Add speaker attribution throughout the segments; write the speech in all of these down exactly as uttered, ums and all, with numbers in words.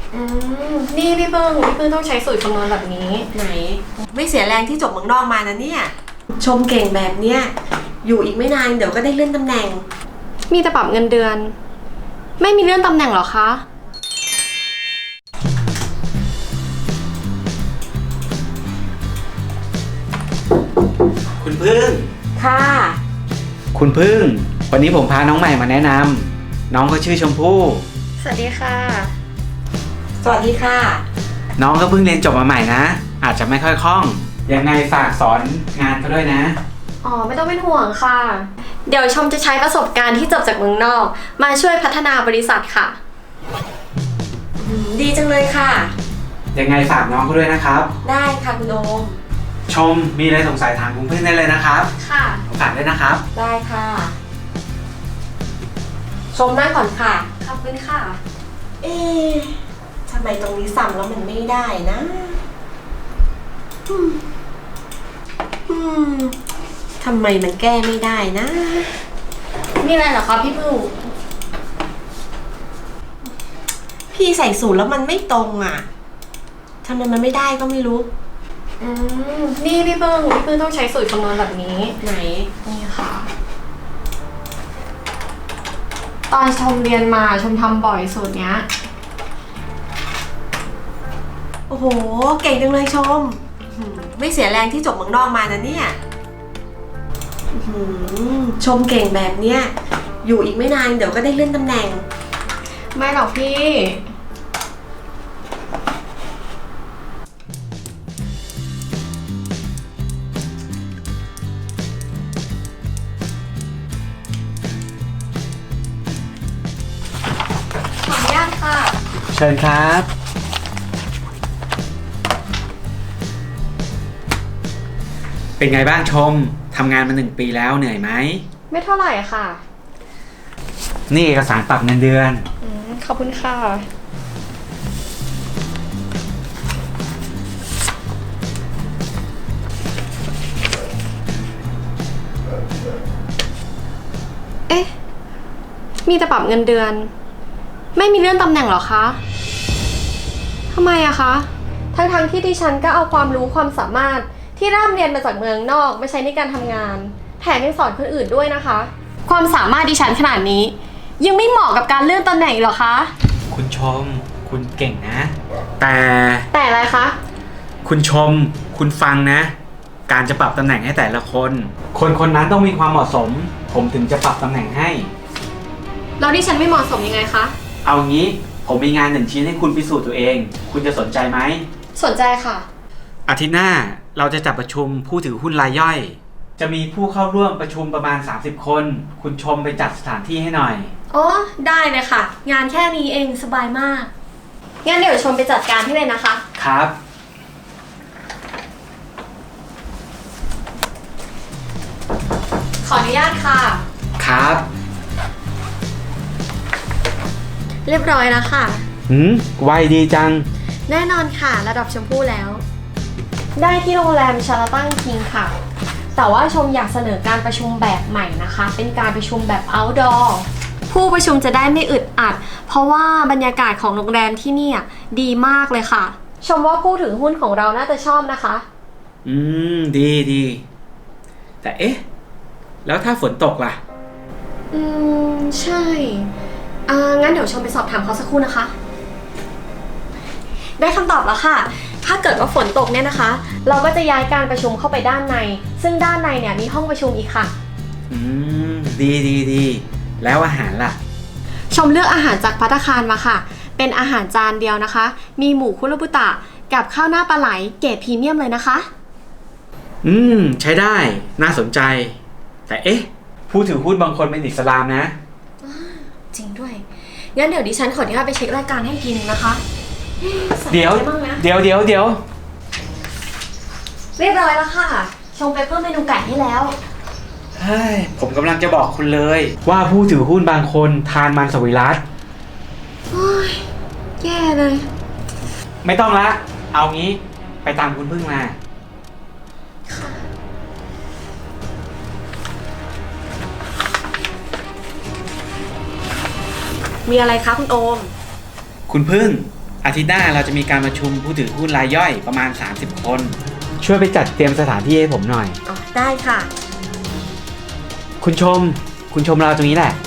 Speaker 1: อืมนี่พี่เพิ่งพี่เพิ่งต้องใช้สูตรคำนวณแบบนี้
Speaker 2: ไหนไม่เสียแรงที่จบเมืองนอกมานะเนี่ยชมเก่งแบบเนี้ยอยู่อีกไม่นานเดี๋ยวก็ได้เลื่อนตำแหน่ง
Speaker 1: มีแต่ปรับเงินเดือนไม่มีเลื่อนตำแหน่งหรอคะ
Speaker 3: คุณพึ่ง
Speaker 2: ค่ะ
Speaker 3: คุณพึ่งวันนี้ผมพาน้องใหม่มาแนะนำน้องเขาชื่อชมพู่
Speaker 1: สวัสดีค่ะ
Speaker 2: สวัสดีค่ะ
Speaker 3: น้องก็เพิ่งเรียนจบมาใหม่นะอาจจะไม่ค่อยคล่องยังไงฝากสอนงานเขาด้วยนะ
Speaker 1: อ๋อไม่ต้องเป็นห่วงค่ะเดี๋ยวชมจะใช้ประสบการณ์ที่จบจากเมืองนอกมาช่วยพัฒนาบริษัทค่ะ
Speaker 2: ดีจังเลยค่ะ
Speaker 3: ยังไงฝากน้องเขาด้วยนะครับ
Speaker 2: ได้ค่ะคุณโอม
Speaker 3: ชมมีอะไรสงสัยถามคุณพึ่งได้เลยนะครับ
Speaker 1: ค่ะ
Speaker 3: ฝากด้วยนะครับ
Speaker 2: ได้ค่ะชมนั่งก่อนค่ะ
Speaker 1: ขอบคุณค่ะ
Speaker 2: เอ๊ะทำไมตรงนี้สั่งแล้วมันไม่ได้นะอืมอืมทำไมมันแก้ไม่ได้นะ
Speaker 1: มีอะไรเหรอคะพี่พึ่ง
Speaker 2: พี่ใส่สูตรแล้วมันไม่ตรงอ่ะทำไมมันไม่ได้ก็ไม่รู้
Speaker 1: อืมนี่พี่พึ่งพี่พึ่งต้องใช้สูตรคำนวณแบบนี้
Speaker 2: ไหน
Speaker 1: นี่ค่ะตอนชมเรียนมาชมทำบ่อยสูตรเนี้ย
Speaker 2: โอ้โหเก่งจังเลยชมไม่เสียแรงที่จบเมืองนอกมานะเนี่ยชมเก่งแบบเนี้ยอยู่อีกไม่นานเดี๋ยวก็ได้เลื่อนตำแหน่ง
Speaker 1: ไม่หรอกพี่ขออนุญาตค่ะ
Speaker 3: เชิญครับเป็นไงบ้างชมทำงานมาหนึ่งปีแล้วเหนื่อยไหม
Speaker 1: ไม่เท่าไหร่ค่ะ
Speaker 3: นี่เอกสารปรับเงินเดือน
Speaker 1: อืมขอบคุณค่ะเอ๊ะมีแต่ปรับเงินเดือนไม่มีเลื่อนตำแหน่งหรอคะทำไมอะคะทั้งๆที่ดิฉันก็เอาความรู้ความสามารถที่ร่ำเรียนมาจากเมืองนอกมาใช้ในการทำงานแถมยังสอนคนอื่นด้วยนะคะความสามารถดิฉันขนาดนี้ยังไม่เหมาะกับการเลื่อนตำแหน่งหรอคะ
Speaker 3: คุณชมคุณเก่งนะแต่
Speaker 1: แต่อะไรคะ
Speaker 3: คุณชมคุณฟังนะการจะปรับตำแหน่งให้แต่ละคนคนคนนั้นต้องมีความเหมาะสมผมถึงจะปรับตำแหน่งให้
Speaker 1: แล้วดิฉันไม่เหมาะสมยังไงคะ
Speaker 3: เอางี้ผมมีงานหนึ่งชิ้นให้คุณพิสูจน์ตัวเองคุณจะสนใจไหม
Speaker 1: สนใจค่ะ
Speaker 3: อาทิตย์หน้าเราจะจัดประชุมผู้ถือหุ้นรายย่อยจะมีผู้เข้าร่วมประชุมประมาณสามสิบคนคุณชมไปจัดสถานที่ให้หน่อย
Speaker 1: อ๋อได้เลยค่ะงานแค่นี้เองสบายมากงั้นเดี๋ยวชมไปจัดการให้เลยนะคะ
Speaker 3: ครับ
Speaker 1: ขออนุญาตค่ะ
Speaker 3: ครับ
Speaker 1: เรียบร้อยแล้วค่ะ
Speaker 3: หืมไวดีจัง
Speaker 1: แน่นอนค่ะระดับชมพู่แล้วได้ที่โรงแรมชาราตันคิงค่ะแต่ว่าชมอยากเสนอการประชุมแบบใหม่นะคะเป็นการประชุมแบบ outdoor ผู้ประชุมจะได้ไม่อึดอัดเพราะว่าบรรยากาศของโรงแรมที่นี่ดีมากเลยค่ะชมว่าผู้ถือหุ้นของเราน่าจะชอบนะคะ
Speaker 3: อืมดีดีแต่เอ๊ะแล้วถ้าฝนตกล่ะ
Speaker 1: อืมใช่อ่างั้นเดี๋ยวชมไปสอบถามเขาสักครู่นะคะได้คำตอบแล้วค่ะถ้าเกิดว่าฝนตกเนี่ยนะคะเราก็จะย้ายการประชุมเข้าไปด้านในซึ่งด้านในเนี่ยมีห้องประชุมอีกค่ะ
Speaker 3: อืมดีดีดีแล้วอาหารล่ะ
Speaker 1: ชมเลือกอาหารจากภัตตาคารมาค่ะเป็นอาหารจานเดียวนะคะมีหมูคุโรบุตะกับข้าวหน้าปลาไหลเกรดพรีเมียมเลยนะคะ
Speaker 3: อืมใช้ได้น่าสนใจแต่เอ๊ะผู้ถือหุ้นบางคนเป็นอิสลามนะ
Speaker 1: จริงด้วยงั้นเดี๋ยวดิฉันขออนุญาตไปเช็ครายการให้อีกทีนึงนะคะ
Speaker 3: เดี๋ยวเดี๋ยวเดี๋ยวเดี๋ยว
Speaker 1: เรียบร้อยแล้วค่ะชงไปเพิ่มเมนูไก่ให้แล้ว
Speaker 3: เฮ้ยผมกำลังจะบอกคุณเลยว่าผู้ถือหุ้นบางคนทานมันสวิรัติ
Speaker 1: โอ้ยแย่เลย
Speaker 3: ไม่ต้องละเอางี้ไปตามคุณพึ่งมา
Speaker 2: มีอะไรคะคุณโอม
Speaker 3: คุณพึ่งอาทิตย์หน้าเราจะมีการประชุมผู้ถือหุ้นรายย่อยประมาณ สามสิบ คน ช่วยไปจัดเตรียมสถานที่ให้ผมหน่อย
Speaker 2: อ๋อ ได้ค่ะ
Speaker 3: คุณชม คุณชมเราตรงนี้แหละ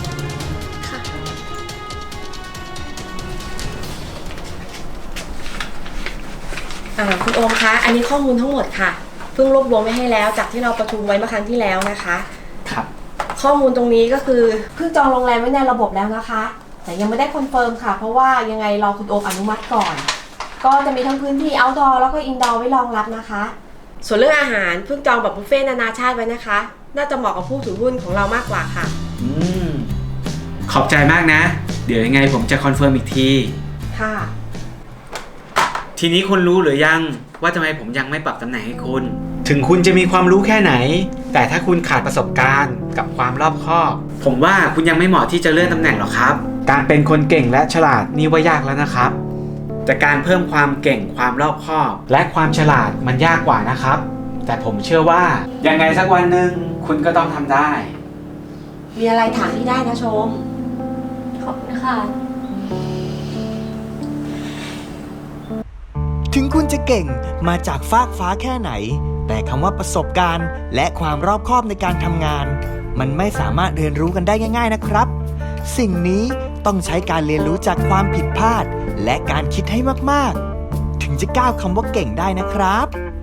Speaker 2: อ่าคุณโอมคะ อันนี้ข้อมูลทั้งหมดค่ะ เพิ่งรวบรวมไว้ให้แล้วจากที่เราประชุมไว้เมื่อครั้งที่แล้วนะคะ
Speaker 3: ครับ
Speaker 2: ข้อมูลตรงนี้ก็คือเพิ่งจองโรงแรมไว้ในระบบแล้วนะคะ แต่ยังไม่ได้คอนเฟิร์มค่ะ เพราะว่ายังไงรอคุณโอมอนุมัติก่อน ก็จะมีทั้งพื้นที่ outdoor แล้วก็ indoor ไว้รองรับนะคะ ส่วนเรื่องอาหารเพิ่งจองแบบบุฟเฟ่ต์นานาชาติไว้นะคะ น่าจะเหมาะกับผู้ถือหุ้นของเรามากกว่าค่ะ
Speaker 3: อืม ขอบใจมากนะ เดี๋ยวยังไงผมจะคอนเฟิร์มอีกที
Speaker 2: ค่ะ
Speaker 3: ทีนี้คุณรู้หรือยังว่าทำไมผมยังไม่ปรับตำแหน่งให้คุณ ถึงคุณจะมีความรู้แค่ไหน แต่ถ้าคุณขาดประสบการณ์กับความรอบคอบ ผมว่าคุณยังไม่เหมาะที่จะเลื่อนตำแหน่งหรอกครับ การเป็นคนเก่งและฉลาดนี่ว่ายากแล้วนะครับ แต่การเพิ่มความเก่งความรอบคอบ และความฉลาดมันยากกว่านะครับ แต่ผมเชื่อว่ายังไงสักวันหนึ่งคุณก็ต้องทำได้
Speaker 2: มีอะไรถามพี่ได้นะชม
Speaker 1: ขอบคุณค่ะ
Speaker 4: ถึงคุณจะเก่งมาจากฟากฟ้าแค่ไหน แต่คำว่าประสบการณ์ และความรอบคอบในการทำงาน มันไม่สามารถเรียนรู้กันได้ง่ายๆนะครับ สิ่งนี้ต้องใช้การเรียนรู้จากความผิดพลาด และการคิดให้มากๆ ถึงจะก้าวคำว่าเก่งได้นะครับ